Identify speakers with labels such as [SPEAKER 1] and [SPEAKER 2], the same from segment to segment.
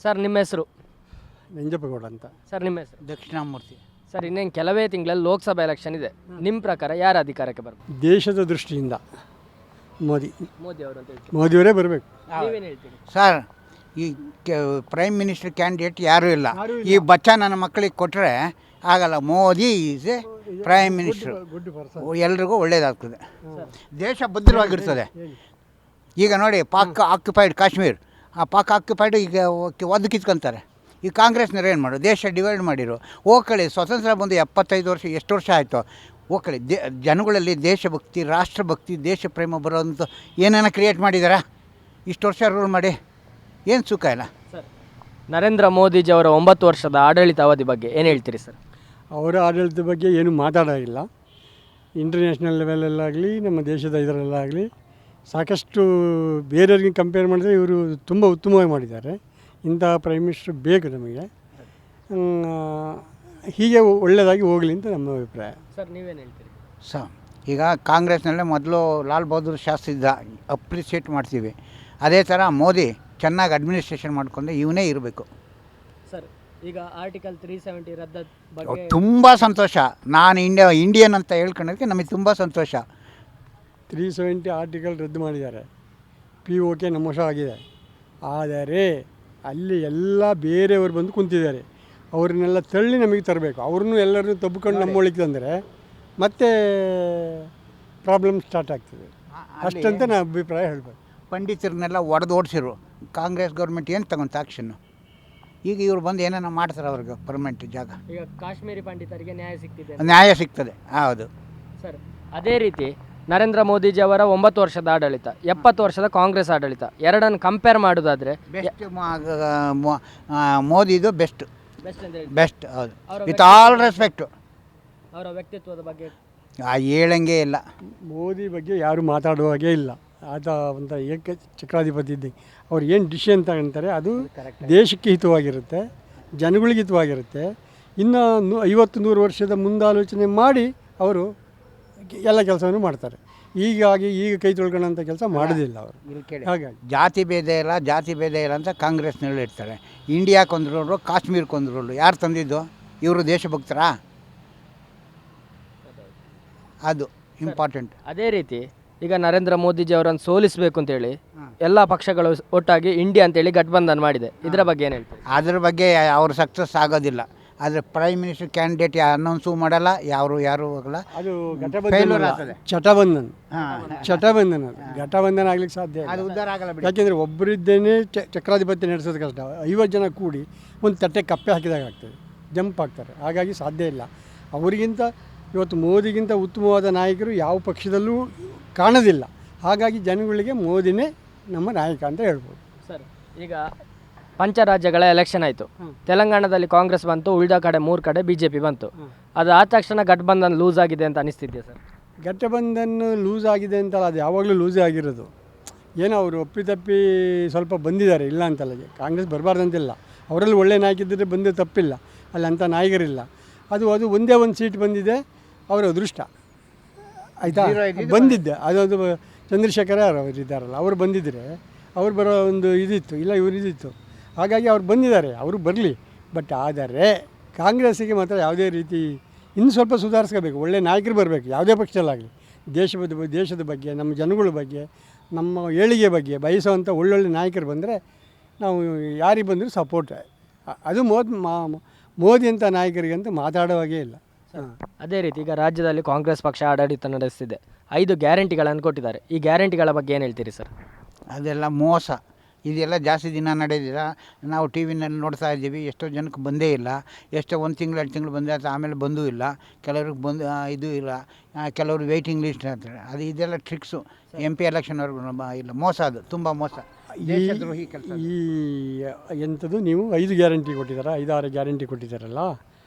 [SPEAKER 1] Sir ನಿಮ್ಮ ಹೆಸರು?
[SPEAKER 2] ನಂಜಪ್ಪಗೌಡ ಅಂತ.
[SPEAKER 1] ಸರ್ ನಿಮ್ಮ ಹೆಸರು?
[SPEAKER 3] ದಕ್ಷಿಣಾಮೂರ್ತಿ.
[SPEAKER 1] ಸರ್ ಇನ್ನೇನು ಕೆಲವೇ ತಿಂಗಳಲ್ಲಿ ಲೋಕಸಭಾ ಎಲೆಕ್ಷನ್ ಇದೆ. ನಿಮ್ಮ ಪ್ರಕಾರ ಯಾರು ಅಧಿಕಾರಕ್ಕೆ ಬರಬೇಕು?
[SPEAKER 2] ದೇಶದ ದೃಷ್ಟಿಯಿಂದ ಮೋದಿ
[SPEAKER 1] ಅವರು ಅಂತ ಹೇಳ್ತೀವಿ.
[SPEAKER 2] ಮೋದಿಯವರೇ ಬರಬೇಕು.
[SPEAKER 1] ನೀವೇನು ಹೇಳ್ತೀರಿ?
[SPEAKER 3] ಸರ್, ಈ ಪ್ರೈಮ್ ಮಿನಿಸ್ಟರ್ ಕ್ಯಾಂಡಿಡೇಟ್ ಯಾರೂ ಇಲ್ಲ. ಈ ಬಚ್ಚ ನನ್ನ ಮಕ್ಕಳಿಗೆ ಕೊಟ್ಟರೆ ಆಗಲ್ಲ. Modi is a prime minister. ಎಲ್ರಿಗೂ ಒಳ್ಳೇದಾಗ್ತದೆ, ದೇಶ ಭದ್ರವಾಗಿರ್ತದೆ. ಈಗ ನೋಡಿ, ಪಾಕ್ ಆಕ್ಯುಪೈಡ್ ಕಾಶ್ಮೀರ್, ಆ ಪಾಕ್ ಆಕ್ಯುಪೈಡ್ ಈಗ ಒದ್ದು ಕಿತ್ಕೊಂತಾರೆ. ಈ ಕಾಂಗ್ರೆಸ್ನವ್ರು ಏನು ಮಾಡು, ದೇಶ ಡಿವೈಡ್ ಮಾಡಿರು. ಹೋಗ್ಕಳಿ, ಸ್ವತಂತ್ರ ಬಂದು 75 ವರ್ಷ ಎಷ್ಟು ವರ್ಷ ಆಯಿತು. ಹೋಗ್ಕಳಿ, ಜನಗಳಲ್ಲಿ ದೇಶಭಕ್ತಿ, ರಾಷ್ಟ್ರಭಕ್ತಿ, ದೇಶ ಪ್ರೇಮ ಬರೋಂಥ ಏನೇನೋ ಕ್ರಿಯೇಟ್ ಮಾಡಿದಾರಾ? ಇಷ್ಟು ವರ್ಷ ರೂಲ್ ಮಾಡಿ ಏನು ಸುಖ ಇಲ್ಲ.
[SPEAKER 1] ಸರ್, ನರೇಂದ್ರ ಮೋದಿಜಿ ಅವರ 9 ವರ್ಷದ ಆಡಳಿತ ಅವಧಿ ಬಗ್ಗೆ ಏನು ಹೇಳ್ತೀರಿ ಸರ್?
[SPEAKER 2] ಅವರ ಆಡಳಿತದ ಬಗ್ಗೆ ಏನು ಮಾತಾಡೋಂಗಿಲ್ಲ. ಇಂಟರ್ನ್ಯಾಷನಲ್ ಲೆವೆಲಲ್ಲಾಗಲಿ ನಮ್ಮ ದೇಶದ ಇದರಲ್ಲಾಗಲಿ ಸಾಕಷ್ಟು ಬೇರೆಯವ್ರಿಗೆ ಕಂಪೇರ್ ಮಾಡಿದರೆ ಇವರು ತುಂಬ ಉತ್ತಮವಾಗಿ ಮಾಡಿದ್ದಾರೆ. ಇಂಥ ಪ್ರೈಮ್ ಮಿನಿಸ್ಟರ್ ಬೇಕು ನಮಗೆ. ಹೀಗೆ ಒಳ್ಳೆಯದಾಗಿ ಹೋಗಲಿ ಅಂತ ನಮ್ಮ ಅಭಿಪ್ರಾಯ.
[SPEAKER 1] ಸರ್ ನೀವೇನು ಹೇಳ್ತೀರಿ?
[SPEAKER 3] ಈಗ ಕಾಂಗ್ರೆಸ್ನಲ್ಲೇ ಮೊದಲು ಲಾಲ್ ಬಹದ್ದೂರ್ ಶಾಸ್ತ್ರಿ ಇದ್ದ, ಅಪ್ರಿಷಿಯೇಟ್ ಮಾಡ್ತೀವಿ. ಅದೇ ಥರ ಮೋದಿ ಚೆನ್ನಾಗಿ ಅಡ್ಮಿನಿಸ್ಟ್ರೇಷನ್ ಮಾಡಿಕೊಂಡ್ರೆ ಇವನೇ ಇರಬೇಕು.
[SPEAKER 1] ಸರ್, ಈಗ ಆರ್ಟಿಕಲ್ 370 ರದ್ದ ಬಗ್ಗೆ
[SPEAKER 3] ತುಂಬ ಸಂತೋಷ. ನಾನು ಇಂಡಿಯನ್ ಅಂತ ಹೇಳ್ಕೊಳ್ಳೋದಕ್ಕೆ ನಮಗೆ ತುಂಬ ಸಂತೋಷ.
[SPEAKER 2] 370 ಆರ್ಟಿಕಲ್ ರದ್ದು ಮಾಡಿದ್ದಾರೆ. POK ನಮ್ಮ ವಶ ಆಗಿದೆ. ಆದರೆ ಅಲ್ಲಿ ಎಲ್ಲ ಬೇರೆಯವರು ಬಂದು ಕುಂತಿದ್ದಾರೆ. ಅವ್ರನ್ನೆಲ್ಲ ತಳ್ಳಿ ನಮಗೆ ತರಬೇಕು. ಅವ್ರನ್ನೂ ಎಲ್ಲರನ್ನೂ ತಬ್ಕೊಂಡು ನಮ್ಮೊಳಗೆ ತಂದರೆ ಮತ್ತೆ ಪ್ರಾಬ್ಲಮ್ ಸ್ಟಾರ್ಟ್ ಆಗ್ತದೆ. ಅಷ್ಟಂತ ನಾನು ಅಭಿಪ್ರಾಯ ಹೇಳಬೇಕು.
[SPEAKER 3] ಪಂಡಿತರನ್ನೆಲ್ಲ ಓಡಿಸಿರು. ಕಾಂಗ್ರೆಸ್ ಗೌರ್ಮೆಂಟ್ ಏನು ತಗೊಂತ ಆ್ಯಕ್ಷನ್ನು? ಈಗ ಇವ್ರು ಬಂದು ಏನೇನೋ ಮಾಡ್ತಾರೆ ಅವ್ರಿಗೆ ಪರ್ಮನೆಂಟ್ ಜಾಗ.
[SPEAKER 1] ಈಗ ಕಾಶ್ಮೀರಿ ಪಂಡಿತರಿಗೆ
[SPEAKER 3] ನ್ಯಾಯ ಸಿಗ್ತದೆ. ಹೌದು
[SPEAKER 1] ಸರ್. ಅದೇ ರೀತಿ ನರೇಂದ್ರ ಮೋದಿಜಿ ಅವರ 9 ವರ್ಷದ ಆಡಳಿತ, 70 ವರ್ಷದ ಕಾಂಗ್ರೆಸ್ ಆಡಳಿತ, ಎರಡನ್ನು ಕಂಪೇರ್ ಮಾಡೋದಾದರೆ
[SPEAKER 3] ಬೆಸ್ಟ್ ಮೋದಿದು ಬೆಸ್ಟ್. ಹೌದು, ವಿತ್ ಆಲ್ ರೆಸ್ಪೆಕ್ಟು.
[SPEAKER 1] ಅವರ ವ್ಯಕ್ತಿತ್ವದ ಬಗ್ಗೆ
[SPEAKER 3] ಹೇಳಂಗೆ ಇಲ್ಲ.
[SPEAKER 2] ಮೋದಿ ಬಗ್ಗೆ ಯಾರು ಮಾತಾಡುವಾಗೇ ಇಲ್ಲ. ಆತ ಒಂದು ಚಕ್ರಾಧಿಪತಿ ಇದ್ದಂಗೆ. ಅವ್ರು ಏನು ಡಿಸಿಷನ್ ತಗೊಂತಾರೆ ಅದು ದೇಶಕ್ಕೆ ಹಿತವಾಗಿರುತ್ತೆ, ಜನಗಳಿಗೆ ಹಿತವಾಗಿರುತ್ತೆ. ಇನ್ನು 50-100 ವರ್ಷದ ಮುಂದಾಲೋಚನೆ ಮಾಡಿ ಅವರು ಎಲ್ಲ ಕೆಲಸವನ್ನು ಮಾಡ್ತಾರೆ. ಈಗ ಕೈ ತೊಳ್ಕೊಳ್ಳೋಂಥ ಕೆಲಸ ಮಾಡೋದಿಲ್ಲ ಅವರು. ಹಾಗಾಗಿ
[SPEAKER 3] ಜಾತಿ ಭೇದ ಇಲ್ಲ ಅಂತ ಕಾಂಗ್ರೆಸ್ನಲ್ಲಿ ಇರ್ತಾರೆ. ಇಂಡಿಯಾಕ್ಕೊಂದ್ರೋರು, ಕಾಶ್ಮೀರಕ್ಕೊಂದ್ರೋರು ಯಾರು ತಂದಿದ್ದು? ಇವರು ದೇಶಭಕ್ತರಾ? ಅದು ಇಂಪಾರ್ಟೆಂಟ್.
[SPEAKER 1] ಅದೇ ರೀತಿ ಈಗ ನರೇಂದ್ರ ಮೋದಿಜಿ ಅವರನ್ನು ಸೋಲಿಸಬೇಕು ಅಂತೇಳಿ ಎಲ್ಲ ಪಕ್ಷಗಳು ಒಟ್ಟಾಗಿ ಇಂಡಿಯಾ ಅಂತೇಳಿ ಗಠಬಂಧನ್ ಮಾಡಿದೆ. ಇದರ ಬಗ್ಗೆ ಏನು ಹೇಳ್ತೀವಿ?
[SPEAKER 3] ಅದ್ರ ಬಗ್ಗೆ ಅವರು ಸಕ್ಸಸ್ ಆಗೋದಿಲ್ಲ. ಆದರೆ ಪ್ರೈಮ್ ಮಿನಿಸ್ಟರ್ ಕ್ಯಾಂಡಿಡೇಟ್ ಅನೌನ್ಸೂ ಮಾಡಲ್ಲ, ಯಾರು ಹೋಗಲ್ಲ.
[SPEAKER 2] ಅದು ಘಟಬಂಧನ ಆಗ್ಲಿಕ್ಕೆ ಸಾಧ್ಯ ಇಲ್ಲ.
[SPEAKER 3] ಅದು ಉದ್ಧಾರ ಆಗಲ್ಲ.
[SPEAKER 2] ಯಾಕೆಂದರೆ ಒಬ್ಬರಿದ್ದೇನೆ ಚಕ್ರಾಧಿಪತ್ಯ ನಡೆಸೋದು ಕಷ್ಟ. 50 ಜನ ಕೂಡಿ ಒಂದು ತಟ್ಟೆ ಕಪ್ಪೆ ಹಾಕಿದಾಗ ಆಗ್ತದೆ, ಜಂಪ್ ಆಗ್ತಾರೆ. ಹಾಗಾಗಿ ಸಾಧ್ಯ ಇಲ್ಲ. ಅವರಿಗಿಂತ ಇವತ್ತು ಮೋದಿಗಿಂತ ಉತ್ತಮವಾದ ನಾಯಕರು ಯಾವ ಪಕ್ಷದಲ್ಲೂ ಕಾಣೋದಿಲ್ಲ. ಹಾಗಾಗಿ ಜನಗಳಿಗೆ ಮೋದಿನೇ ನಮ್ಮ ನಾಯಕ ಅಂತ ಹೇಳ್ಬೋದು.
[SPEAKER 1] ಸರ್, ಈಗ ಪಂಚರಾಜ್ಯಗಳ ಎಲೆಕ್ಷನ್ ಆಯಿತು. ತೆಲಂಗಾಣದಲ್ಲಿ ಕಾಂಗ್ರೆಸ್ ಬಂತು, ಉಳಿದ ಕಡೆ 3 ಕಡೆ BJP ಬಂತು. ಅದು ಆದ ತಕ್ಷಣ ಗಠಬಂಧನ್ ಲೂಸ್ ಆಗಿದೆ ಅಂತ ಅನಿಸ್ತಿದೆಯಾ ಸರ್?
[SPEAKER 2] ಗಠಬಂಧನ್ ಲೂಸ್ ಆಗಿದೆ ಅಂತಲ್ಲ, ಅದು ಯಾವಾಗಲೂ ಲೂಸೇ ಆಗಿರೋದು. ಏನೋ ಅವರು ಒಪ್ಪಿತಪ್ಪಿ ಸ್ವಲ್ಪ ಬಂದಿದ್ದಾರೆ, ಇಲ್ಲ ಅಂತಲ್ಲ. ಕಾಂಗ್ರೆಸ್ ಬರಬಾರ್ದಂತಿಲ್ಲ, ಅವರಲ್ಲಿ ಒಳ್ಳೆ ನಾಯಕಿದ್ದರೆ ಬಂದೇ ತಪ್ಪಿಲ್ಲ. ಅಲ್ಲಿ ಅಂಥ ನಾಯಕರಿಲ್ಲ. ಅದು ಒಂದೇ ಒಂದು ಸೀಟ್ ಬಂದಿದೆ, ಅವರ ಅದೃಷ್ಟ ಆಯಿತಾ. ಬಂದಿದ್ದೆ ಅದೊಂದು ಚಂದ್ರಶೇಖರ ಅವರು ಇದ್ದಾರಲ್ಲ, ಅವರು ಬಂದಿದ್ದರೆ ಅವ್ರು ಬರೋ ಒಂದು ಇದಿತ್ತು, ಇಲ್ಲ ಇವರು ಇದಿತ್ತು. ಹಾಗಾಗಿ ಅವ್ರು ಬಂದಿದ್ದಾರೆ, ಅವರು ಬರಲಿ. ಬಟ್ ಆದರೆ ಕಾಂಗ್ರೆಸ್ಸಿಗೆ ಮಾತ್ರ ಯಾವುದೇ ರೀತಿ ಇನ್ನು ಸ್ವಲ್ಪ ಸುಧಾರಿಸ್ಕೋಬೇಕು. ಒಳ್ಳೆ ನಾಯಕರು ಬರಬೇಕು, ಯಾವುದೇ ಪಕ್ಷದಲ್ಲಾಗಲಿ. ದೇಶದ ಬಗ್ಗೆ, ನಮ್ಮ ಜನಗಳ ಬಗ್ಗೆ, ನಮ್ಮ ಏಳಿಗೆ ಬಗ್ಗೆ ಬಯಸುವಂಥ ಒಳ್ಳೊಳ್ಳೆ ನಾಯಕರು ಬಂದರೆ ನಾವು ಯಾರಿಗೆ ಬಂದರೂ ಸಪೋರ್ಟ್. ಅದು ಮೋದಿ ಅಂತ ನಾಯಕರಿಗಂತೂ ಮಾತಾಡೋವಾಗೇ ಇಲ್ಲ.
[SPEAKER 1] ಅದೇ ರೀತಿ ಈಗ ರಾಜ್ಯದಲ್ಲಿ ಕಾಂಗ್ರೆಸ್ ಪಕ್ಷ ಆಡಳಿತ ನಡೆಸ್ತಿದೆ. 5 ಗ್ಯಾರಂಟಿಗಳನ್ನು ಕೊಟ್ಟಿದ್ದಾರೆ. ಈ ಗ್ಯಾರಂಟಿಗಳ ಬಗ್ಗೆ ಏನು ಹೇಳ್ತೀರಿ ಸರ್?
[SPEAKER 3] ಅದೆಲ್ಲ ಮೋಸ. ಇದೆಲ್ಲ ಜಾಸ್ತಿ ದಿನ ನಡೆದಿಲ್ಲ. ನಾವು ಟಿ ವಿನಲ್ಲಿ ನೋಡ್ತಾ ಇದ್ದೀವಿ. ಎಷ್ಟೋ ಜನಕ್ಕೆ ಬಂದೇ ಇಲ್ಲ. ಎಷ್ಟೋ 1 ತಿಂಗಳು 2 ತಿಂಗಳು ಬಂದರೆ ಅದು ಆಮೇಲೆ ಬಂದೂ ಇಲ್ಲ. ಕೆಲವ್ರಿಗೆ ಬಂದು ಇದು ಇಲ್ಲ, ಕೆಲವರು ವೆಯ್ಟಿಂಗ್ ಲಿಸ್ಟ್ ಅಂತಾರೆ. ಇದೆಲ್ಲ ಟ್ರಿಕ್ಸು. MP ಎಲೆಕ್ಷನ್ವರೆಗೂ ಇಲ್ಲ. ಮೋಸ, ಅದು ತುಂಬ ಮೋಸ, ದೇಶದ್ರೋಹಿ ಕೆಲಸ.
[SPEAKER 2] ಎಂಥದ್ದು ನೀವು 5 ಗ್ಯಾರಂಟಿ ಕೊಟ್ಟಿದ್ದಾರೆ, 5-6 ಗ್ಯಾರಂಟಿ ಕೊಟ್ಟಿದ್ದಾರಲ್ಲ,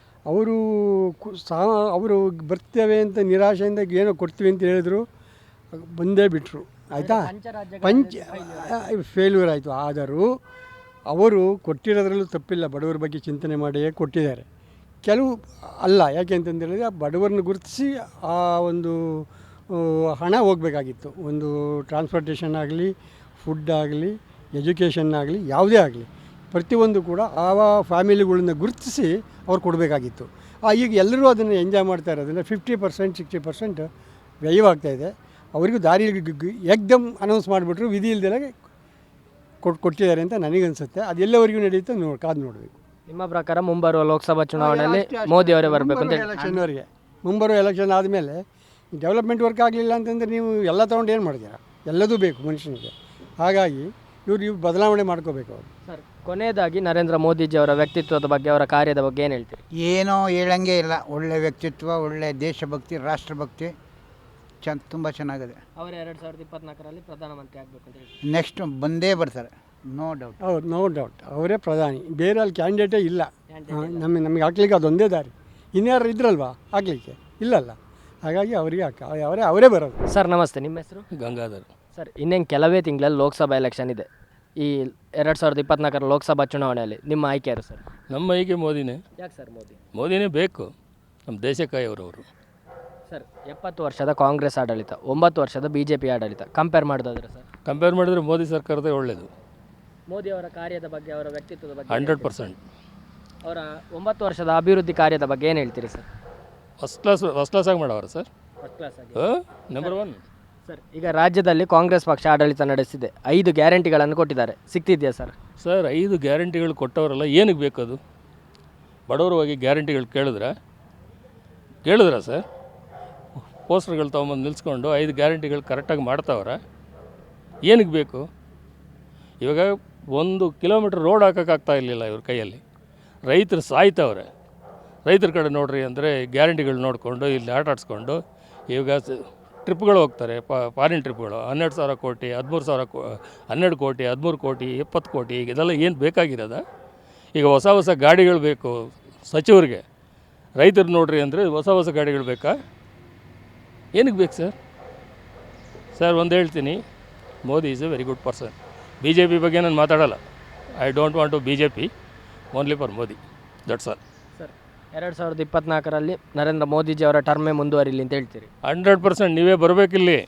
[SPEAKER 2] ಅವರು ಬರ್ತೇವೆ ಅಂತ ನಿರಾಶೆಯಿಂದ ಏನೋ ಕೊಡ್ತೀವಿ ಅಂತ ಹೇಳಿದ್ರು, ಬಂದೇ ಬಿಟ್ಟರು. ಆಯಿತಾ, ಫೇಲ್ಯೂರ್ ಆಯಿತು. ಆದರೂ ಅವರು ಕೊಟ್ಟಿರೋದ್ರಲ್ಲೂ ತಪ್ಪಿಲ್ಲ. ಬಡವರ ಬಗ್ಗೆ ಚಿಂತನೆ ಮಾಡಿಯೇ ಕೊಟ್ಟಿದ್ದಾರೆ. ಕೆಲವು ಅಲ್ಲ, ಯಾಕೆ ಅಂತಂದೇಳಿದ್ರೆ ಬಡವರನ್ನು ಗುರುತಿಸಿ ಆ ಒಂದು ಹಣ ಹೋಗಬೇಕಾಗಿತ್ತು. ಒಂದು ಟ್ರಾನ್ಸ್ಪೋರ್ಟೇಷನ್ ಆಗಲಿ, ಫುಡ್ ಆಗಲಿ, ಎಜುಕೇಷನ್ ಆಗಲಿ, ಯಾವುದೇ ಆಗಲಿ ಪ್ರತಿಯೊಂದು ಕೂಡ ಆವ ಫ್ಯಾಮಿಲಿಗಳನ್ನ ಗುರುತಿಸಿ ಅವ್ರು ಕೊಡಬೇಕಾಗಿತ್ತು. ಈಗ ಎಲ್ಲರೂ ಅದನ್ನು ಎಂಜಾಯ್ ಮಾಡ್ತಾ ಇರೋದ್ರಿಂದ 50% 60% ವ್ಯಯವಾಗ್ತಾಯಿದೆ. ಅವರಿಗೂ ದಾರಿ ಏಕ್ದಮ್ ಅನೌನ್ಸ್ ಮಾಡಿಬಿಟ್ರು, ವಿಧಿ ಇಲ್ದೆಲ್ಲ ಕೊಟ್ಟಿದ್ದಾರೆ ಅಂತ ನನಗನ್ಸುತ್ತೆ. ಅದು ಎಲ್ಲವರೆಗೂ ನಡೆಯುತ್ತೆ ಕಾದು ನೋಡಬೇಕು.
[SPEAKER 1] ನಿಮ್ಮ ಪ್ರಕಾರ ಮುಂಬರುವ ಲೋಕಸಭಾ ಚುನಾವಣೆಯಲ್ಲಿ ಮೋದಿ ಅವರೇ ಬರಬೇಕು ಅಂತ ಹೇಳಿ?
[SPEAKER 2] ಎಲೆಕ್ಷನ್ವರೆಗೆ ಮುಂಬರುವ ಎಲೆಕ್ಷನ್ ಆದಮೇಲೆ ಡೆವಲಪ್ಮೆಂಟ್ ವರ್ಕ್ ಆಗಲಿಲ್ಲ ಅಂತಂದರೆ ನೀವು ಎಲ್ಲ ತೊಗೊಂಡು ಏನು ಮಾಡ್ತೀರಾ? ಎಲ್ಲದೂ ಬೇಕು ಮನುಷ್ಯನಿಗೆ. ಹಾಗಾಗಿ ಇವ್ರು ಬದಲಾವಣೆ ಮಾಡ್ಕೋಬೇಕು ಅವರು.
[SPEAKER 1] ಸರ್, ಕೊನೆಯದಾಗಿ ನರೇಂದ್ರ ಮೋದಿಜಿ ಅವರ ವ್ಯಕ್ತಿತ್ವದ ಬಗ್ಗೆ, ಅವರ ಕಾರ್ಯದ ಬಗ್ಗೆ ಏನು ಹೇಳ್ತೀರಿ?
[SPEAKER 3] ಏನೋ ಹೇಳಂಗೆ ಇಲ್ಲ. ಒಳ್ಳೆ ವ್ಯಕ್ತಿತ್ವ, ಒಳ್ಳೆ ದೇಶಭಕ್ತಿ, ರಾಷ್ಟ್ರಭಕ್ತಿ ತುಂಬ ಚೆನ್ನಾಗಿದೆ.
[SPEAKER 1] ಅವರು 2024ರಲ್ಲಿ ಪ್ರಧಾನಮಂತ್ರಿ ಆಗಬೇಕು ಅಂತ ಹೇಳಿ
[SPEAKER 3] ನೆಕ್ಸ್ಟ್ ಬಂದೇ ಬರ್ತಾರೆ, ನೋ ಡೌಟ್.
[SPEAKER 2] ಹೌದು, ನೋ ಡೌಟ್ ಅವರೇ ಪ್ರಧಾನಿ. ಬೇರೆ ಅಲ್ಲಿ ಕ್ಯಾಂಡಿಡೇಟೇ ಇಲ್ಲ. ನಮಗೆ ಹಾಕ್ಲಿಕ್ಕೆ ಅದೊಂದೇ ದಾರಿ. ಇನ್ಯಾರು ಇದ್ರಲ್ವಾ ಹಾಕ್ಲಿಕ್ಕೆ? ಇಲ್ಲಲ್ಲ. ಹಾಗಾಗಿ ಅವರಿಗೆ ಅವರೇ ಬರೋದು.
[SPEAKER 1] ಸರ್ ನಮಸ್ತೆ, ನಿಮ್ಮ ಹೆಸರು?
[SPEAKER 4] ಗಂಗಾಧರ್.
[SPEAKER 1] ಸರ್, ಇನ್ನೇನು ಕೆಲವೇ ತಿಂಗಳಲ್ಲಿ ಲೋಕಸಭಾ ಎಲೆಕ್ಷನ್ ಇದೆ. ಈ 2024ರ ಲೋಕಸಭಾ ಚುನಾವಣೆಯಲ್ಲಿ ನಿಮ್ಮ ಆಯ್ಕೆ ಯಾರು ಸರ್?
[SPEAKER 4] ನಮ್ಮ ಆಯ್ಕೆ ಮೋದಿನೇ.
[SPEAKER 1] ಯಾಕೆ ಸರ್ ಮೋದಿ?
[SPEAKER 4] ಮೋದಿನೇ ಬೇಕು, ನಮ್ಮ ದೇಶಕ್ಕಾಯವರು.
[SPEAKER 1] ಸರ್, 70 ವರ್ಷದ ಕಾಂಗ್ರೆಸ್ ಆಡಳಿತ, 9 ವರ್ಷದ BJP ಆಡಳಿತ ಕಂಪೇರ್ ಮಾಡೋದಾದ್ರೆ ಸರ್?
[SPEAKER 4] ಕಂಪೇರ್ ಮಾಡಿದ್ರೆ ಮೋದಿ ಸರ್ಕಾರದೇ ಒಳ್ಳೆಯದು.
[SPEAKER 1] ಮೋದಿ ಅವರ ಕಾರ್ಯದ ಬಗ್ಗೆ, ಅವರ ವ್ಯಕ್ತಿತ್ವದ ಬಗ್ಗೆ
[SPEAKER 4] 100%.
[SPEAKER 1] ಅವರ 9 ವರ್ಷದ ಅಭಿವೃದ್ಧಿ ಕಾರ್ಯದ ಬಗ್ಗೆ ಏನು ಹೇಳ್ತೀರಿ ಸರ್?
[SPEAKER 4] ಫಸ್ಟ್ ಕ್ಲಾಸ್ ಆಗಿ ಮಾಡವ್ರ ಸರ್.
[SPEAKER 1] ಫಸ್ಟ್ ಕ್ಲಾಸ್ ಆಗಿ.
[SPEAKER 4] ನಂಬರ್ 1
[SPEAKER 1] ಸರ್, ಈಗ ರಾಜ್ಯದಲ್ಲಿ ಕಾಂಗ್ರೆಸ್ ಪಕ್ಷ ಆಡಳಿತ ನಡೆಸಿದೆ. 5 ಗ್ಯಾರಂಟಿಗಳನ್ನು ಕೊಟ್ಟಿದ್ದಾರೆ, ಸಿಗ್ತಿದೆಯಾ ಸರ್?
[SPEAKER 4] ಸರ್, 5 ಗ್ಯಾರಂಟಿಗಳು ಕೊಟ್ಟವರಲ್ಲ, ಏನಕ್ಕೆ ಬೇಕದು? ಬಡವರು ಹೋಗಿ ಗ್ಯಾರಂಟಿಗಳು ಕೇಳಿದ್ರ ಸರ್? ಪೋಸ್ಟರ್ಗಳು ತೊಗೊಂಬಂದು ನಿಲ್ಸ್ಕೊಂಡು 5 ಗ್ಯಾರಂಟಿಗಳು ಕರೆಕ್ಟಾಗಿ ಮಾಡ್ತಾವ್ರ? ಏನಕ್ಕೆ ಬೇಕು? ಇವಾಗ 1 ಕಿಲೋಮೀಟ್ರ್ ರೋಡ್ ಹಾಕೋಕ್ಕಾಗ್ತಾ ಇರಲಿಲ್ಲ ಇವ್ರ ಕೈಯಲ್ಲಿ. ರೈತರು ಸಾಯ್ತವ್ರೆ. ರೈತರ ಕಡೆ ನೋಡ್ರಿ ಅಂದರೆ ಗ್ಯಾರಂಟಿಗಳು ನೋಡಿಕೊಂಡು ಇಲ್ಲಿ ಆಟ ಆಡಿಸ್ಕೊಂಡು ಇವಾಗ ಟ್ರಿಪ್ಗಳು ಹೋಗ್ತಾರೆ, ಫಾರಿನ್ ಟ್ರಿಪ್ಗಳು. 12,000 ಕೋಟಿ, 13,000 12 ಕೋಟಿ, 13 ಕೋಟಿ, 20 ಕೋಟಿ, ಈಗ ಇದೆಲ್ಲ ಏನು ಬೇಕಾಗಿರೋದ? ಈಗ ಹೊಸ ಗಾಡಿಗಳು ಬೇಕು ಸಚಿವರಿಗೆ. ರೈತರು ನೋಡ್ರಿ ಅಂದರೆ ಹೊಸ ಗಾಡಿಗಳು ಬೇಕಾ? ಏನಕ್ಕೆ ಬೇಕು ಸರ್? ಸರ್, ಒಂದು ಹೇಳ್ತೀನಿ, Modi is a very good person. BJP ಬಗ್ಗೆ ನಾನು ಮಾತಾಡಲ್ಲ. I don't want to BJP, only for Modi, that's all.
[SPEAKER 1] Sir, 2024ರಲ್ಲಿ ನರೇಂದ್ರ ಮೋದಿಜಿ ಅವರ ಟರ್ಮೇ ಮುಂದುವರಿಲಿ ಅಂತ ಹೇಳ್ತೀರಿ?
[SPEAKER 4] 100% ನೀವೇ ಬರಬೇಕಿಲ್ಲಿ.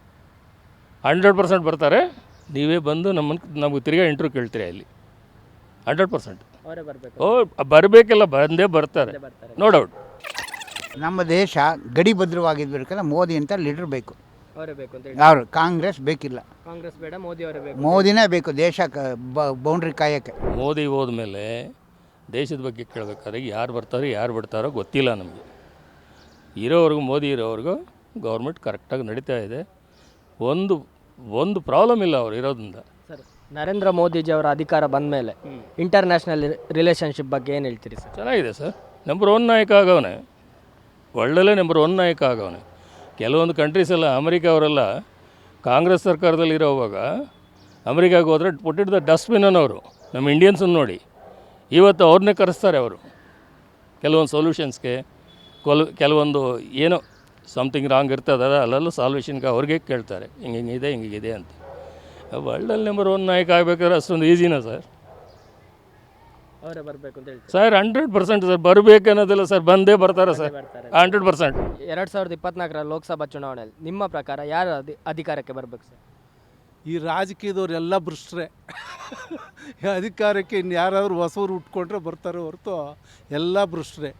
[SPEAKER 4] 100% ಬರ್ತಾರೆ. ನೀವೇ ಬಂದು ನಮಗೆ ತಿರ್ಗಾ ಇಂಟ್ರ್ಯೂ ಕೇಳ್ತೀರಾ ಇಲ್ಲಿ. 100%
[SPEAKER 1] ಅವರೇ ಬರಬೇಕು.
[SPEAKER 4] ಬರಬೇಕಿಲ್ಲ, ಬಂದೇ ಬರ್ತಾರೆ, ನೋ ಡೌಟ್.
[SPEAKER 3] ನಮ್ಮ ದೇಶ ಗಡಿ ಭದ್ರವಾಗಿರ್ಬೇಕಂದ್ರೆ ಮೋದಿ ಅಂತ ಲೀಡರ್ ಬೇಕು.
[SPEAKER 1] ಅವರೇ ಬೇಕು ಅಂತ ಹೇಳಿ?
[SPEAKER 3] ಅವರು ಕಾಂಗ್ರೆಸ್ ಬೇಕಿಲ್ಲ.
[SPEAKER 1] ಕಾಂಗ್ರೆಸ್ ಬೇಡ, ಮೋದಿ ಅವರೇ ಬೇಕು.
[SPEAKER 3] ಮೋದಿನೇ ಬೇಕು ದೇಶ ಬೌಂಡ್ರಿ ಕಾಯಕ್ಕೆ.
[SPEAKER 4] ಮೋದಿ ಹೋದ್ಮೇಲೆ ದೇಶದ ಬಗ್ಗೆ ಕೇಳಬೇಕಾದ್ರೆ ಯಾರು ಬರ್ತಾರೋ ಯಾರು ಬಿಡ್ತಾರೋ ಗೊತ್ತಿಲ್ಲ ನಮಗೆ. ಮೋದಿ ಇರೋವರೆಗೂ ಗೌರ್ಮೆಂಟ್ ಕರೆಕ್ಟಾಗಿ ನಡೀತಾ ಇದೆ. ಒಂದು ಪ್ರಾಬ್ಲಮ್ ಇಲ್ಲ ಅವ್ರು ಇರೋದ್ರಿಂದ.
[SPEAKER 1] ಸರ್, ನರೇಂದ್ರ ಮೋದಿಜಿ ಅವರ ಅಧಿಕಾರ ಬಂದ ಮೇಲೆ ಇಂಟರ್ನ್ಯಾಷನಲ್ ರಿಲೇಷನ್ಶಿಪ್ ಬಗ್ಗೆ ಏನು ಹೇಳ್ತೀರಿ ಸರ್?
[SPEAKER 4] ಚೆನ್ನಾಗಿದೆ ಸರ್. ನಂಬರ್ 1 ನಾಯಕ ಆಗವನೆ, ಒಳ್ಳೆಯಲ್ಲೇ ನಂಬರ್ 1 ನಾಯಕ ಆಗವನೆ. ಕೆಲವೊಂದು ಕಂಟ್ರೀಸೆಲ್ಲ, ಅಮೆರಿಕ ಅವರೆಲ್ಲ ಕಾಂಗ್ರೆಸ್ ಸರ್ಕಾರದಲ್ಲಿ ಇರೋವಾಗ ಅಮೆರಿಕಾಗೆ ಹೋದರೆ ಪುಟ್ಟಿಡ್ದ ಡಸ್ಟ್ಬಿನ್ ಅನ್ನೋರು ನಮ್ಮ ಇಂಡಿಯನ್ಸನ್ನು ನೋಡಿ ಇವತ್ತು ಅವ್ರನ್ನೇ ಕರೆಸ್ತಾರೆ. ಅವರು ಕೆಲವೊಂದು ಸೊಲ್ಯೂಷನ್ಸ್ಗೆ ಕೆಲವೊಂದು ಏನೋ ಸಮಥಿಂಗ್ ರಾಂಗ್ ಇರ್ತದಲ್ಲ, ಅಲ್ಲೆಲ್ಲ ಸಾಲ್ವೇಷನ್ಗೆ ಅವ್ರಿಗೆ ಕೇಳ್ತಾರೆ, ಹಿಂಗಿದೆ ಅಂತ. ವರ್ಲ್ಡಲ್ಲಿ ನಂಬರ್ 1 ನಾಯಕ ಆಗಬೇಕಾದ್ರೆ ಅಷ್ಟೊಂದು ಈಸಿನಾ ಸರ್?
[SPEAKER 1] ಅವರೇ ಬರಬೇಕು ಅಂತ ಹೇಳ್ತೀವಿ
[SPEAKER 4] ಸರ್. 100% ಸರ್, ಬರಬೇಕನ್ನೋದಿಲ್ಲ ಸರ್, ಬಂದೇ ಬರ್ತಾರೆ ಸರ್, 100%.
[SPEAKER 1] 2024ರ ಲೋಕಸಭಾ ಚುನಾವಣೆಯಲ್ಲಿ ನಿಮ್ಮ ಪ್ರಕಾರ ಯಾರು ಅಧಿಕಾರಕ್ಕೆ ಬರಬೇಕು ಸರ್?
[SPEAKER 5] ಈ ರಾಜಕೀಯದವರೆಲ್ಲ ಭ್ರಷ್ಟರೇ. ಅಧಿಕಾರಕ್ಕೆ ಇನ್ನು ಯಾರಾದರೂ ಹೊಸವರು ಉಟ್ಕೊಂಡ್ರೆ ಬರ್ತಾರೆ ಹೊರತು ಎಲ್ಲ ಭ್ರಷ್ಟರೇ.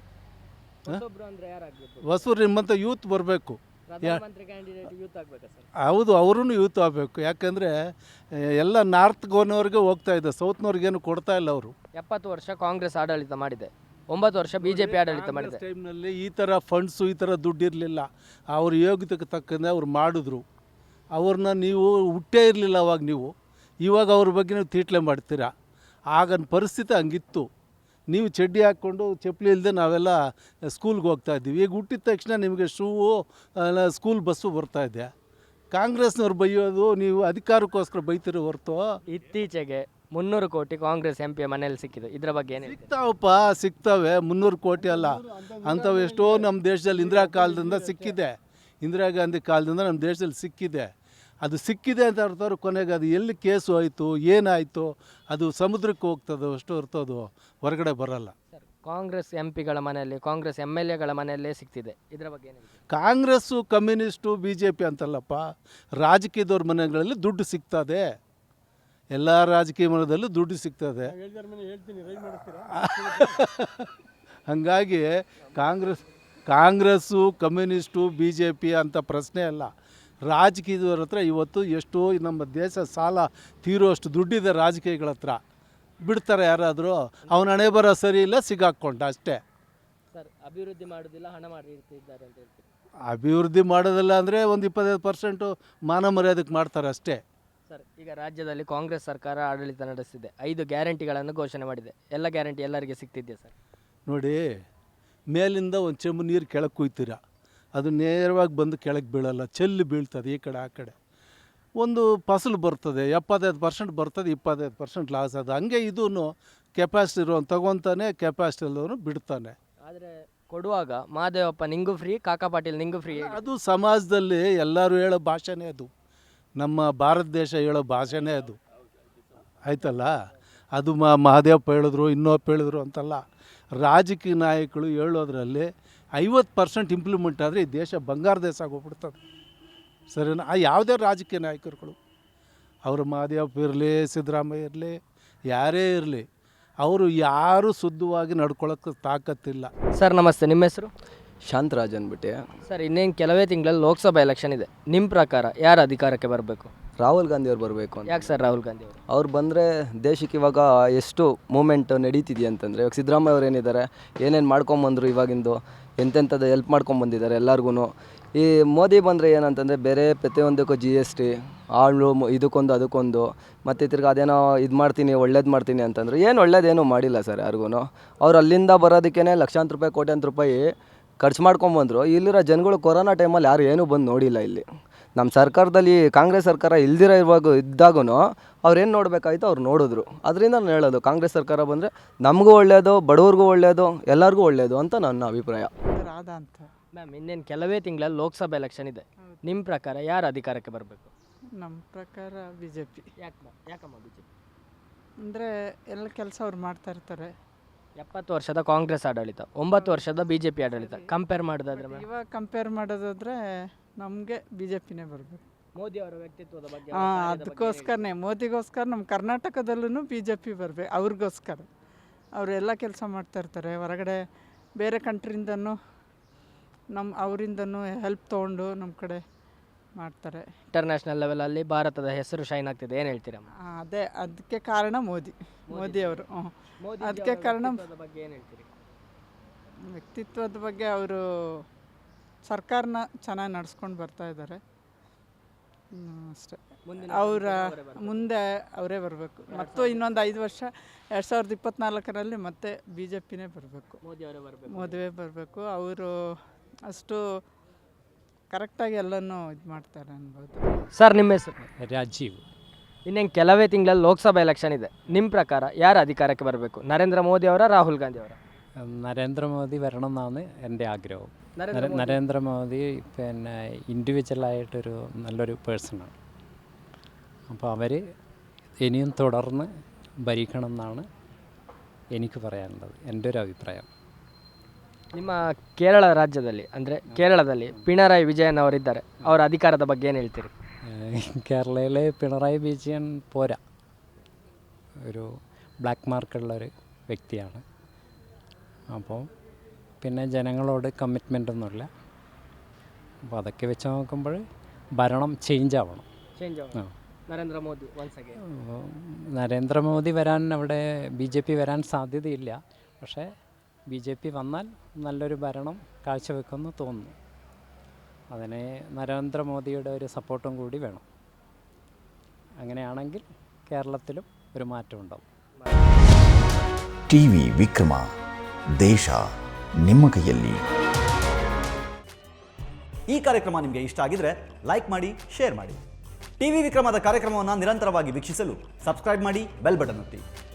[SPEAKER 5] ಹೊಸರು ನಿಮ್ಮಂಥ ಯೂತ್ ಬರಬೇಕು. ಹೌದು, ಅವರೂ ಯೂತ್ ಆಗಬೇಕು. ಯಾಕಂದರೆ ಎಲ್ಲ ನಾರ್ತ್ ಗೋನವ್ರಿಗೆ ಹೋಗ್ತಾ ಇದೆ, ಸೌತ್ನವ್ರಿಗೇನು ಕೊಡ್ತಾ ಇಲ್ಲ. ಅವರು
[SPEAKER 1] 70 ವರ್ಷ ಕಾಂಗ್ರೆಸ್ ಆಡಳಿತ ಮಾಡಿದೆ, 9 ವರ್ಷ BJP ಆಡಳಿತ ಮಾಡಿದೆ.
[SPEAKER 5] ಟೈಮ್ನಲ್ಲಿ ಈ ಥರ ಫಂಡ್ಸು, ಈ ಥರ ದುಡ್ಡು ಇರಲಿಲ್ಲ. ಅವ್ರ ಯೋಗ್ಯತೆಗೆ ತಕ್ಕಂತೆ ಅವ್ರು ಮಾಡಿದ್ರು. ಅವ್ರನ್ನ ನೀವು ಹುಟ್ಟೇ ಇರಲಿಲ್ಲ ಅವಾಗ. ಇವಾಗ ಅವ್ರ ಬಗ್ಗೆ ನೀವು ತೀಟ್ಲೆ ಮಾಡ್ತೀರಾ. ಆಗನ ಪರಿಸ್ಥಿತಿ ಹಂಗಿತ್ತು. ನೀವು ಚಡ್ಡಿ ಹಾಕ್ಕೊಂಡು ಚಪ್ಪಲಿ ಇಲ್ಲದೆ ನಾವೆಲ್ಲ ಸ್ಕೂಲ್ಗೆ ಹೋಗ್ತಾಯಿದ್ದೀವಿ. ಈಗ ಹುಟ್ಟಿದ ತಕ್ಷಣ ನಿಮಗೆ ಶೂವು, ಸ್ಕೂಲ್ ಬಸ್ಸು ಬರ್ತಾಯಿದೆ. ಕಾಂಗ್ರೆಸ್ನವ್ರು ಬೈಯೋದು ನೀವು ಅಧಿಕಾರಕ್ಕೋಸ್ಕರ ಬೈತಿರೋ ಹೊರತು.
[SPEAKER 1] ಇತ್ತೀಚೆಗೆ 300 ಕೋಟಿ ಕಾಂಗ್ರೆಸ್ MP ಮನೆಯಲ್ಲಿ ಸಿಕ್ಕಿದೆ, ಇದರ ಬಗ್ಗೆ ಏನು?
[SPEAKER 5] ಸಿಗ್ತವೆ 300 ಕೋಟಿ ಅಲ್ಲ, ಅಂಥವು ಎಷ್ಟೋ ನಮ್ಮ ದೇಶದಲ್ಲಿ ಇಂದಿರಾ ಕಾಲದಿಂದ ಸಿಕ್ಕಿದೆ. ಇಂದಿರಾ ಗಾಂಧಿ ಕಾಲದಿಂದ ನಮ್ಮ ದೇಶದಲ್ಲಿ ಸಿಕ್ಕಿದೆ. ಅದು ಸಿಕ್ಕಿದೆ ಅಂತ ಅರ್ಥವ್ರು ಕೊನೆಗೆ ಅದು ಎಲ್ಲಿ ಕೇಸು ಆಯಿತು, ಏನಾಯಿತು, ಅದು ಸಮುದ್ರಕ್ಕೆ ಹೋಗ್ತದೆ ಅಷ್ಟು ಹೊರತೋದು ಹೊರಗಡೆ ಬರೋಲ್ಲ.
[SPEAKER 1] ಸರ್, ಕಾಂಗ್ರೆಸ್ MPಗಳ ಮನೆಯಲ್ಲಿ, ಕಾಂಗ್ರೆಸ್ MLAಗಳ ಮನೆಯಲ್ಲೇ ಸಿಗ್ತಿದೆ, ಇದರ ಬಗ್ಗೆ ಏನು?
[SPEAKER 5] ಕಾಂಗ್ರೆಸ್ಸು, ಕಮ್ಯುನಿಸ್ಟು, BJP ಅಂತಲ್ಲಪ್ಪ, ರಾಜಕೀಯದವ್ರ ಮನೆಗಳಲ್ಲಿ ದುಡ್ಡು ಸಿಗ್ತದೆ. ಎಲ್ಲ ರಾಜಕೀಯ ಮನದಲ್ಲೂ ದುಡ್ಡು ಸಿಗ್ತದೆ. ಹಾಗಾಗಿ ಕಾಂಗ್ರೆಸ್ಸು ಕಮ್ಯುನಿಸ್ಟು BJP ಅಂತ ಪ್ರಶ್ನೆ ಅಲ್ಲ. ರಾಜಕೀಯದವ್ರ ಹತ್ರ ಇವತ್ತು ಎಷ್ಟೋ ನಮ್ಮ ದೇಶ ಸಾಲ ತೀರುವಷ್ಟು ದುಡ್ಡಿದೆ ರಾಜಕೀಯಗಳ ಹತ್ರ. ಬಿಡ್ತಾರೆ ಯಾರಾದರೂ? ಅವನ ಹಣೆ ಬರ ಸರಿ ಇಲ್ಲ, ಸಿಗಾಕ್ಕೊಂಡ ಅಷ್ಟೇ.
[SPEAKER 1] ಸರ್ ಅಭಿವೃದ್ಧಿ ಮಾಡೋದಿಲ್ಲ, ಹಣ ಮಾಡಿ ಇರ್ತಿದ್ದಾರೆ ಅಂತ ಹೇಳ್ತೀವಿ.
[SPEAKER 5] ಅಭಿವೃದ್ಧಿ ಮಾಡೋದಿಲ್ಲ ಅಂದರೆ ಒಂದು 25% ಮಾನ ಮರ್ಯಾದಕ್ಕೆ ಮಾಡ್ತಾರೆ ಅಷ್ಟೇ.
[SPEAKER 1] ಸರ್ ಈಗ ರಾಜ್ಯದಲ್ಲಿ ಕಾಂಗ್ರೆಸ್ ಸರ್ಕಾರ ಆಡಳಿತ ನಡೆಸಿದೆ, 5 ಗ್ಯಾರಂಟಿಗಳನ್ನು ಘೋಷಣೆ ಮಾಡಿದೆ. ಎಲ್ಲ ಗ್ಯಾರಂಟಿ ಎಲ್ಲರಿಗೆ ಸಿಗ್ತಿದೆಯಾ ಸರ್? ನೋಡಿ, ಮೇಲಿಂದ ಒಂದು ಚೆಂಬು ನೀರು ಕೆಳಗೆ ಕುಯ್ತೀರ, ಅದು ನೇರವಾಗಿ ಬಂದು ಕೆಳಗೆ ಬೀಳಲ್ಲ, ಚೆಲ್ಲಿ ಬೀಳ್ತದೆ ಈ ಕಡೆ ಆ ಕಡೆ. ಒಂದು ಫಸಲು ಬರ್ತದೆ, 75% ಬರ್ತದೆ, 25% ಲಾಸ್. ಅದು ಹಂಗೆ ಇದೂ ಕೆಪಾಸಿಟಿ ಇರೋನು ತಗೊತಾನೆ, ಕೆಪಾಸಿಟಿ ಇಲ್ಲದವನು ಬಿಡ್ತಾನೆ. ಆದರೆ ಕೊಡುವಾಗ ಮಹಾದೇವಪ್ಪ ನಿಂಗೂ ಫ್ರೀ, ಕಾಕಾ ಪಾಟೀಲ್ ನಿಂಗೂ ಫ್ರೀ.
[SPEAKER 5] ಅದು ಸಮಾಜದಲ್ಲಿ ಎಲ್ಲರೂ ಹೇಳೋ ಭಾಷೆನೇ ಅದು, ನಮ್ಮ ಭಾರತ ದೇಶ ಹೇಳೋ ಭಾಷೆನೇ ಅದು, ಆಯ್ತಲ್ಲ. ಅದು ಮಹಾದೇವಪ್ಪ ಹೇಳಿದ್ರು, ಇನ್ನೊಬ್ಬ ಹೇಳಿದ್ರು ಅಂತಲ್ಲ. ರಾಜಕೀಯ ನಾಯಕರು ಹೇಳೋದ್ರಲ್ಲಿ 50% ಇಂಪ್ಲಿಮೆಂಟ್ ಆದರೆ ಈ ದೇಶ ಬಂಗಾರ ದೇಶ ಆಗೋಗ್ಬಿಡ್ತದೆ. ಸರಿನಾ? ಯಾವುದೇ ರಾಜಕೀಯ ನಾಯಕರುಗಳು, ಅವರು ಮಹಾದೇವಪ್ಪ ಇರಲಿ, ಸಿದ್ದರಾಮಯ್ಯ ಇರಲಿ, ಯಾರೇ ಇರಲಿ, ಅವರು ಯಾರೂ ಶುದ್ಧವಾಗಿ ನಡ್ಕೊಳ್ಳೋಕ್ಕೆ ತಾಕತ್ತಿಲ್ಲ.
[SPEAKER 1] ಸರ್ ನಮಸ್ತೆ, ನಿಮ್ಮ ಹೆಸರು?
[SPEAKER 6] ಶಾಂತರಾಜ್ ಅಂದ್ಬಿಟ್ಟು.
[SPEAKER 1] ಸರ್ ಇನ್ನೇನು ಕೆಲವೇ ತಿಂಗಳಲ್ಲಿ ಲೋಕಸಭಾ ಎಲೆಕ್ಷನ್ ಇದೆ. ನಿಮ್ಮ ಪ್ರಕಾರ ಯಾರು ಅಧಿಕಾರಕ್ಕೆ ಬರಬೇಕು?
[SPEAKER 6] ರಾಹುಲ್ ಗಾಂಧಿ ಅವ್ರು ಬರಬೇಕು ಅಂತ.
[SPEAKER 1] ಯಾಕೆ ಸರ್ ರಾಹುಲ್ ಗಾಂಧಿ ಅವರು?
[SPEAKER 6] ಅವ್ರು ಬಂದರೆ ದೇಶಕ್ಕೆ ಇವಾಗ ಎಷ್ಟು ಮೂಮೆಂಟ್ ನಡೀತಿದೆಯಾ ಅಂತಂದರೆ, ಇವಾಗ ಸಿದ್ದರಾಮಯ್ಯ ಅವ್ರು ಏನಿದ್ದಾರೆ, ಏನೇನು ಮಾಡ್ಕೊಂಬಂದರು, ಇವಾಗಿಂದು ಎಂತೆಂಥದ್ದು ಹೆಲ್ಪ್ ಮಾಡ್ಕೊಂಬಂದಿದ್ದಾರೆ ಎಲ್ಲರಿಗೂ. ಈ ಮೋದಿ ಬಂದರೆ ಏನಂತಂದರೆ ಬೇರೆ ಪ್ರತಿಯೊಂದಕ್ಕೂ GST ಆಳು ಇದಕ್ಕೊಂದು ಅದಕ್ಕೊಂದು, ಮತ್ತು ತಿರ್ಗಿ ಅದೇನೋ ಇದು ಮಾಡ್ತೀನಿ ಒಳ್ಳೇದು ಮಾಡ್ತೀನಿ ಅಂತಂದರೆ ಏನು ಒಳ್ಳೇದೇನೂ ಮಾಡಿಲ್ಲ ಸರ್ ಯಾರಿಗೂ. ಅವ್ರು ಅಲ್ಲಿಂದ ಬರೋದಕ್ಕೇ ಲಕ್ಷಾಂತರ ರೂಪಾಯಿ ಕೋಟ್ಯಾಂತರ ರೂಪಾಯಿ ಖರ್ಚು ಮಾಡ್ಕೊಂಬಂದರು. ಇಲ್ಲಿರೋ ಜನಗಳು ಕೊರೋನಾ ಟೈಮಲ್ಲಿ ಯಾರು ಏನೂ ಬಂದು ನೋಡಿಲ್ಲ. ಇಲ್ಲಿ ನಮ್ಮ ಸರ್ಕಾರದಲ್ಲಿ ಕಾಂಗ್ರೆಸ್ ಸರ್ಕಾರ ಇಲ್ದಿರೋ ಇದ್ದಾಗೂ ಅವ್ರೇನು ನೋಡಬೇಕಾಯ್ತು ಅವ್ರು ನೋಡಿದ್ರು. ಅದರಿಂದ ನಾನು ಹೇಳೋದು, ಕಾಂಗ್ರೆಸ್ ಸರ್ಕಾರ ಬಂದರೆ ನಮಗೂ ಒಳ್ಳೆಯದು, ಬಡವ್ರಿಗೂ ಒಳ್ಳೆಯದು, ಎಲ್ಲರಿಗೂ ಒಳ್ಳೆಯದು ಅಂತ ನನ್ನ ಅಭಿಪ್ರಾಯ.
[SPEAKER 7] ರಾಧಾ ಅಂತ.
[SPEAKER 1] ಮ್ಯಾಮ್ ಇನ್ನೇನು ಕೆಲವೇ ತಿಂಗಳಲ್ಲಿ ಲೋಕಸಭಾ ಎಲೆಕ್ಷನ್ ಇದೆ. ನಿಮ್ಮ ಪ್ರಕಾರ ಯಾರು ಅಧಿಕಾರಕ್ಕೆ ಬರಬೇಕು?
[SPEAKER 7] ನಮ್ಮ ಪ್ರಕಾರ BJP.
[SPEAKER 1] ಯಾಕಮ್ಮ BJP?
[SPEAKER 7] ಅಂದರೆ ಎಲ್ಲ ಕೆಲಸ ಅವ್ರು ಮಾಡ್ತಾ ಇರ್ತಾರೆ.
[SPEAKER 1] 70 ವರ್ಷದ ಕಾಂಗ್ರೆಸ್ ಆಡಳಿತ, 9 ವರ್ಷದ BJP ಆಡಳಿತ ಕಂಪೇರ್ ಮಾಡೋದಾದ್ರೆ ಮ್ಯಾಮ್?
[SPEAKER 7] ಇವಾಗ ಕಂಪೇರ್ ಮಾಡೋದಾದರೆ ನಮಗೆ BJPನೇ ಬರಬೇಕು.
[SPEAKER 1] ಮೋದಿ ಅವರ ವ್ಯಕ್ತಿತ್ವದ ಬಗ್ಗೆ?
[SPEAKER 7] ಅದಕ್ಕೋಸ್ಕರನೇ ಮೋದಿಗೋಸ್ಕರ ನಮ್ಮ ಕರ್ನಾಟಕದಲ್ಲೂ BJP ಬರಬೇಕು. ಅವ್ರಿಗೋಸ್ಕರ ಅವರು ಎಲ್ಲ ಕೆಲಸ ಮಾಡ್ತಾ ಇರ್ತಾರೆ. ಹೊರಗಡೆ ಬೇರೆ ಕಂಟ್ರಿಯಿಂದನೂ ಅವರಿಂದನೂ ಹೆಲ್ಪ್ ತೊಗೊಂಡು ನಮ್ಮ ಕಡೆ ಮಾಡ್ತಾರೆ.
[SPEAKER 1] ಇಂಟರ್ನ್ಯಾಷನಲ್ ಲೆವೆಲಲ್ಲಿ ಭಾರತದ ಹೆಸರು ಶೈನ್ ಆಗ್ತಿದೆ, ಏನು ಹೇಳ್ತೀರಮ್ಮ?
[SPEAKER 7] ಅದಕ್ಕೆ ಕಾರಣ ಮೋದಿಯವರು. ಅದಕ್ಕೆ ಕಾರಣ
[SPEAKER 1] ಬಗ್ಗೆ ಏನು ಹೇಳ್ತೀರಿ?
[SPEAKER 7] ವ್ಯಕ್ತಿತ್ವದ ಬಗ್ಗೆ ಅವರು ಸರ್ಕಾರನ ಚೆನ್ನಾಗಿ ನಡೆಸ್ಕೊಂಡು ಬರ್ತಾ ಇದ್ದಾರೆ ಅಷ್ಟೇ. ಮುಂದೆ ಅವರೇ ಬರಬೇಕು. ಮತ್ತು ಇನ್ನೊಂದು 5 ವರ್ಷ 2024ರಲ್ಲಿ ಮತ್ತೆ BJPನೇ ಬರಬೇಕು, ಮೋದಿಯೇ ಬರಬೇಕು. ಅವರು ಅಷ್ಟು ಕರೆಕ್ಟಾಗಿ ಎಲ್ಲನೂ ಇದು ಮಾಡ್ತಾರೆ ಅನ್ಬೋದು.
[SPEAKER 1] ಸರ್ ನಿಮ್ಮ ಹೆಸರು?
[SPEAKER 8] രാജീവ്.
[SPEAKER 1] ಇನ್ನೇನು ಕೆಲವೇ ತಿಂಗಳಲ್ಲಿ ಲೋಕಸಭಾ ಎಲೆಕ್ಷನ್ ಇದೆ. ನಿಮ್ಮ ಪ್ರಕಾರ ಯಾರು ಅಧಿಕಾರಕ್ಕೆ ಬರಬೇಕು? ನರೇಂದ್ರ ಮೋದಿ ಅವರ, ರಾಹುಲ್ ಗಾಂಧಿ ಅವರ?
[SPEAKER 8] നരേന്ദ്രമോദി വരണം എന്നാണ് എൻ്റെ ആഗ്രഹം. നരേന്ദ്രമോദി പിന്നെ ഇൻഡിവിജ്വലായിട്ടൊരു നല്ലൊരു പേഴ്സണാണ്. അപ്പോൾ അവർ ഇനിയും തുടർന്ന് ഭരിക്കണം എന്നാണ് എനിക്ക് പറയാനുള്ളത്, എൻ്റെ ഒരു അഭിപ്രായം.
[SPEAKER 1] ನಿಮ್ಮ ಕೇರಳ ರಾಜ್ಯದಲ್ಲಿ ಅಂದರೆ ಕೇರಳದಲ್ಲಿ ಪಿಣರಾಯಿ ವಿಜಯನ್ ಅವರಿದ್ದಾರೆ, ಅವರ ಅಧಿಕಾರದ ಬಗ್ಗೆ ಏನು ಹೇಳ್ತೀರಿ?
[SPEAKER 8] കേരളയിൽ പിണറായി വിജയൻ പോരാ, ഒരു ബ്ലാക്ക് മാർക്കുള്ളൊരു വ്യക്തിയാണ്. അപ്പോൾ പിന്നെ ജനങ്ങളോട് കമ്മിറ്റ്മെൻ്റൊന്നുമില്ല. അപ്പോൾ അതൊക്കെ വെച്ച് നോക്കുമ്പോൾ ഭരണം ചേഞ്ച് ആവണം. നരേന്ദ്രമോദി വരാൻ അവിടെ BJP വരാൻ സാധ്യതയില്ല. പക്ഷേ BJP വന്നാൽ നല്ലൊരു ഭരണം കാഴ്ചവെക്കുമെന്ന് തോന്നുന്നു. അതിന് നരേന്ദ്രമോദിയുടെ ഒരു സപ്പോർട്ടും കൂടി വേണം. അങ്ങനെയാണെങ്കിൽ കേരളത്തിലും ഒരു മാറ്റം ഉണ്ടാവും.
[SPEAKER 9] TV ವಿಕ್ರಮ, ದೇಶ ನಿಮ್ಮ ಕೈಯಲ್ಲಿ.
[SPEAKER 10] ಈ ಕಾರ್ಯಕ್ರಮ ನಿಮಗೆ ಇಷ್ಟ ಆಗಿದ್ರೆ ಲೈಕ್ ಮಾಡಿ, ಶೇರ್ ಮಾಡಿ. TV ವಿಕ್ರಮದ ಕಾರ್ಯಕ್ರಮವನ್ನು ನಿರಂತರವಾಗಿ ವೀಕ್ಷಿಸಲು ಸಬ್ಸ್ಕ್ರೈಬ್ ಮಾಡಿ, ಬೆಲ್ ಬಟನ್ ಒತ್ತಿ.